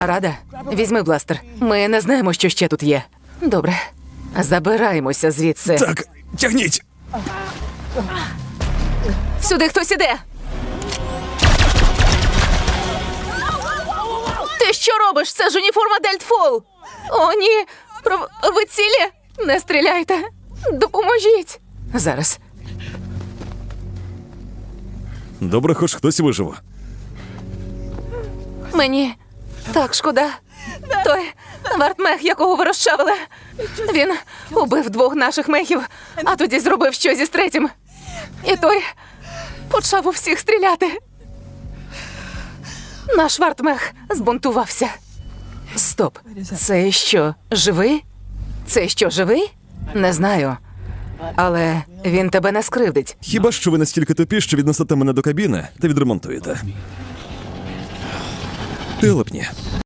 Рада? Візьми бластер. Ми не знаємо, що ще тут є. Добре. Забираємося звідси. Так, тягніть! Сюди хтось іде! Ти що робиш? Це ж уніформа Дельтфол! О, ні! Ви цілі? Не стріляйте! Допоможіть! Зараз. Добре, хоч хтось вижив. Мені так шкода. Той вартмех, якого ви розчавили. Він убив 2 наших мехів, а тоді зробив щось із 3-м. І той почав у всіх стріляти. Наш вартмех збунтувався. Стоп. Це що, живий? Це що, живий? Не знаю. Але він тебе не скривдить. Хіба що ви настільки тупі, що віднесете мене до кабіни та відремонтуєте. Телепні.